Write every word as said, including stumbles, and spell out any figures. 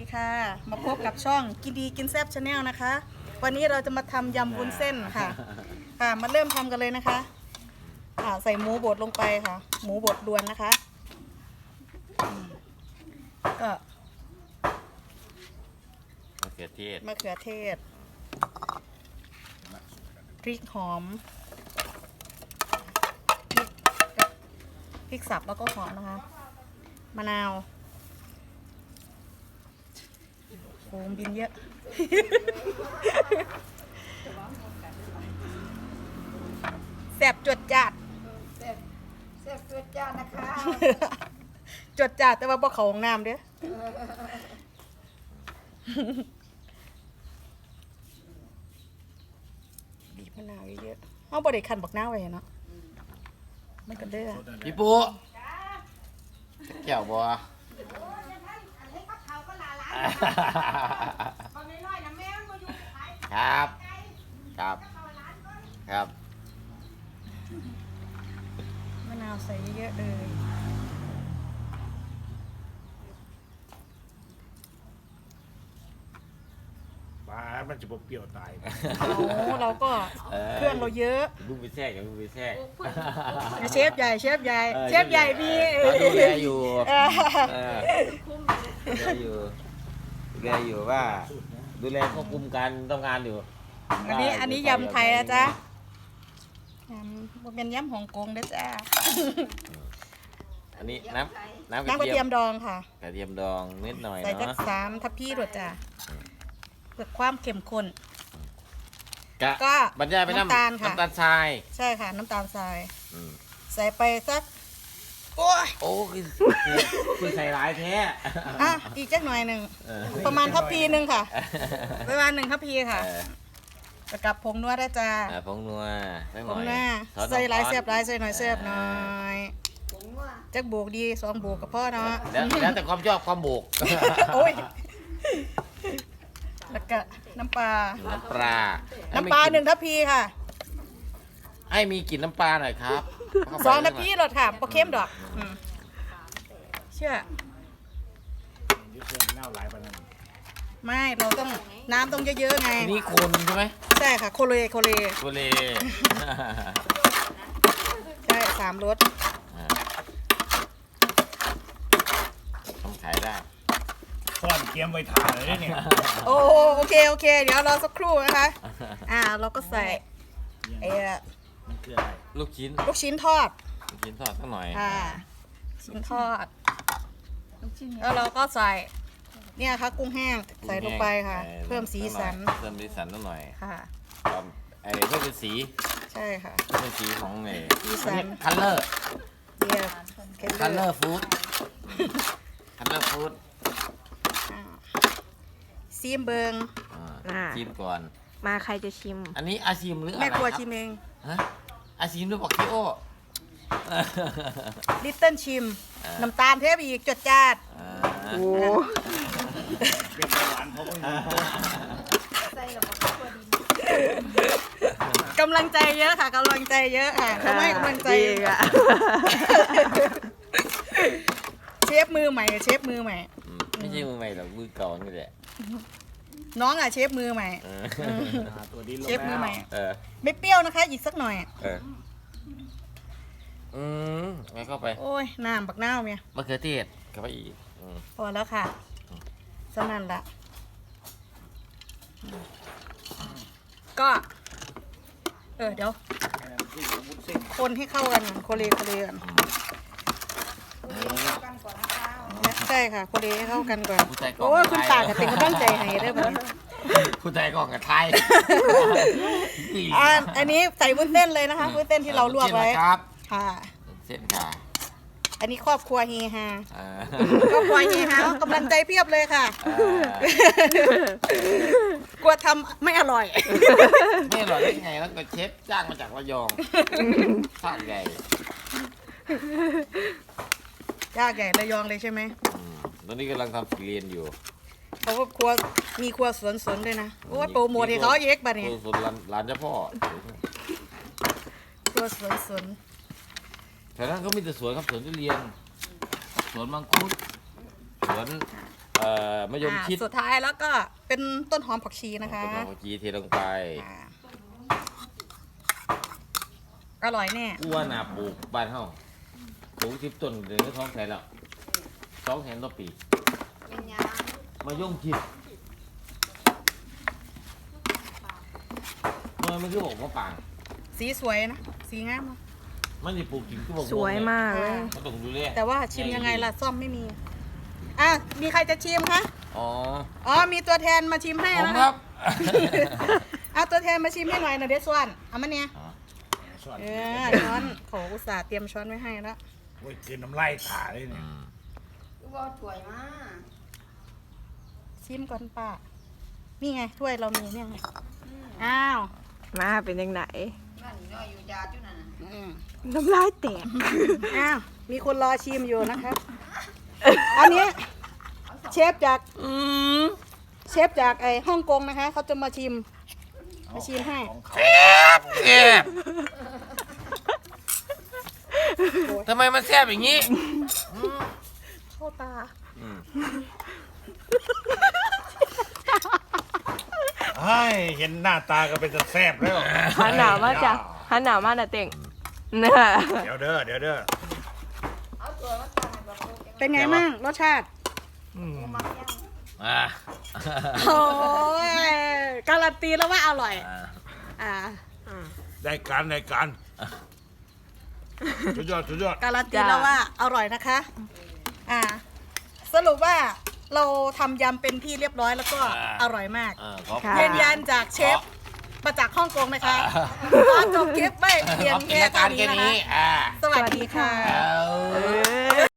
ดีค่ะมาพบกับช่องกินดีกินแซ่บชาแนลนะคะวันนี้เราจะมาทำยำวุ้นเส้นค่ะค่ะมาเริ่มทำกันเลยนะคะค่ะใส่หมูบดลงไปค่ะหมูบดรวนนะคะก็มะเขือเทศมะเขือเทศพริกหอมพริกสับแล้วก็หอมนะคะมะนาวโอ้บินเยอะแซ่บจวดจัดแซ่บแซ่บจวดจ้านะคะจวดจัดแต่ว่าบ่เขาห้องน้ำเด้อบีบมะนาวเยอะๆเอาบ่ได้คั้นบักนาวไว้เนาะมันก็เด้อพี่ปูแก้วบัวครับครับครับมะนาวใส่เยอะๆเลยปลามันจะบ่เปรี้ยวตายเอาเราก็เครื่องเราเยอะลูกไปแทรกกับลูกไปแทรกเชฟใหญ่เชฟใหญ่เชฟใหญ่มีดูแลอยู่เออดูแลอยู่ดูแลอยู่ว่าดูแลควบคุมการทำงานอยู่อันนี้อันนี้ยำไทยนะจ๊ะยำบ่เป็นยำฮ่องกงเด้อจ้าอันนี้น้ำน้ำน้ำกระเทียมดองค่ะกระเทียมดองนิดหน่อยใส่จักเนาะสามทัพพีด้วยจ้ะเพื่อความเข้มข้นกะก็บรรยายไปน้ำน้ำตาลค่ะน้ำตาลทรายใช่ค่ะน้ำตาลทรายอืมใส่ไปสักโอ้ยโอ้คือคือใส่ร้ายแท้อ่ะอีกจักหน่อยหนึ่งเออประมาณทัพพีหนึ่งค่ะประมาณหนึ่งทัพพีค่ะเออจะกับผงนัวได้จ้าอ่าผงนัวสักหผน่งอยหน้าซอสใส่หลายน้ำเสียบหลายใส่หน่อยาเสียบหน่อยผมว่าจักโบกดีสองโบกกับพ่อเนาะแล้วแล้วแต่ความชอบความโบกโอ้ยแล้วก็น้ำปลาน้ำปลาน้ำปลาหนึ่งทัพพีค่ะให้มีกลิ่นน้ำปลาหน่อยครับสองทัพพีรสค่ะปลาเค็มดอกอืมเชื่อยุทธเรื่องเน่าหลายปานนั้นไม่เราต้องน้ำต้องเยอะๆไงทีนี้คนใช่ไหมใช่ค่ะโคเลโคเลโคเลใช่สามรสอ่าทำขายได้ซ่อนเตรียมไว้ถ่าเลยเนี่ยโอ้โอเคโอเค เดี๋ยวรอสักครู่นะคะ อ่าเราก็ใส่ไอ้มันคืออะไรลูกชิ้นลูกชิ้นทอดลูกชิ้นทอดสักหน่อยค่ะชิ้นทอดแล้วเราก็ใส่เนี่ยค่ะกุ้งแห้งใส่ลงไปค่ะออเพิ่มสีสันเพิ่มสีสันสักหน่อยค่ะความไอ้เพิ่มเป็นสีใช่ค่ะเพิ่มเป็นสีของไอ้สีสันคัลเลอร์เดียวเคคัลเลเลออร์ร์ฟู้ดคัลเลอร์ฟู้ดซีมเบิงอ่าชิมก่อนมาใครจะชิมอันนี้อาชิมหรืออะไรแม่ครัวครับชิมเองฮะอาชิมหรือบอกคิโอลิตเติ้ลชิมอ่าน้ำตาลเทปอีกจดจ้าดอ่าโอ้เป็นเบาหวานเพราะว่าใส่ระบบตัวดินกำลังใจเยอะค่ะกำลังใจเยอะค่ะเขาไม่กำลังใจดีอ่ะเชฟมือใหม่กับเชฟมือใหม่อืมไม่ใช่มือใหม่หรอกมือเก่านี่แหละน้องอ่ะเชฟมือใหม่เออหาตัวดินลงเชฟมือใหม่เออไม่เปรี้ยวนะคะ อีกสักหน่อยเอออืมแล้วเข้าไปโอ้ยน้ำบักน้าวเมียมะเขือเทศเข้าไปอีกอืมพอแล้วค่ะสนั่นละก็ เออเดี๋ยว คนให้เข้ากันก่อนโคเลโคเลกันกันก่อนนะคะใช่ค่ะโคเลให้เข้ากันก่อนผู้ใจกล้องโอ้ยคุณไทตาย กับเป็นกำลังใจให้เด้อบัดนี้ผู้ใจกล้องกับไทยอ่าอันนี้ใส่วุ้นเส้นเลยนะคะวุ้นเส้นที่เราลวกไว้เส้นนะครับค่ะเส้นค่ะอันนี้ครอบครัวเฮฮาเออครอบครัวเฮฮากำลังใจเพียบเลยค่ะเออกลัวทำไม่อร่อยไม่อร่อยได้ไงแล้วก็เชฟจ้างมาจากระยองสร้างใหญ่ยากใหญ่ระยองเลยใช่ไหมอืมตอนนี้กำลังทำสีเรียนอยู่เขาก็ครัวมีครัวสวนสนด้วยนะโอ้ยโปรโมทให้เขาเยกบัดนี้ส่วนร้านร้านเจ้าพ่อครัวสวนสนแถวนั้นเขามีแต่สวนครับสวนทุเรียน สวนมังคุด สวนเอ่อมะยมอ่าชิดสุดท้ายแล้วก็เป็นต้นหอมผักชีนะคะต้นหอมผักชีเทลงไปอ่าอร่อยแน่อ้วนน่ะปลูกบ้านเฮาปลูกสิบต้นเดือนก็ท้องแสนแล้วสองแสนต่อปีเป็นยังมะยมชิดเมื่อมันคือบอกมะปางสีสวยนะ สีงามนะมันจะปลูกจริงคือบอกสวยมากเลยมันต้องดูแลแต่ว่าชิมยังไงล่ะซ่อมไม่มี อ่ะ มีใครจะชิมคะอ๋ออ๋อ มีตัวแทนมาชิมให้ผมนะคคะรับเอาตัวแทนมาชิมให้หน่อยนะเดซวนเอามาเนี่ยอ๋อส่วนเออช้อนโขอุตส่าห์เตรียมช้อนไว้ให้แล้วโอ้ยคืนน้ำลายถ่าเลยเนี่ยลูกว่าถวยมากชิมก่อนป้า นี่ไงถ้วยเรามีเนี่ยไงอ้าวมาเป็นยังไงนั่นนี่น้อยอยู่ยาจุนั่นน่ะอืมน้ำลายแตกอ้าว มีคนรอชิมอยู่นะครับ อันนี้เชฟจากเชฟจากไอ้ฮ่องกงนะคะ เขาจะมาชิม มาชิมให้ของเขาแซ่บโอ้ยทำไมมันแซ่บอย่างนี้เข้าตาเฮ้ยเห็นหน้าตาก็เป็นจะแซ่บแล้วหันหนาวมากจ้ะหันหนาวมากนะเต่งเนี่ยเดี๋ยวเด้อเดี๋ยวเด้อเอาตัวมาตั้งให้บอกลูกเป็นไงมั่งรสชาติอืมมักยังอ่าโอ้ยการันตีแล้วว่าอร่อย อ่าได้การได้การสุดยอดสุดยอดการันตีแล้วว่าอร่อยนะคะ อ่า สรุปว่าเราทำยำเป็นที่เรียบร้อยแล้วก็อร่อยมากอ่าขอบค่ะยืนยันจากเชฟมาจากฮ่องกงนะคะขอจบคลิปไม่เพียงขอบกิแค่จการเท่าแค่นี้นะคะนี้อ่าสวัสดีค่ะเอาเออ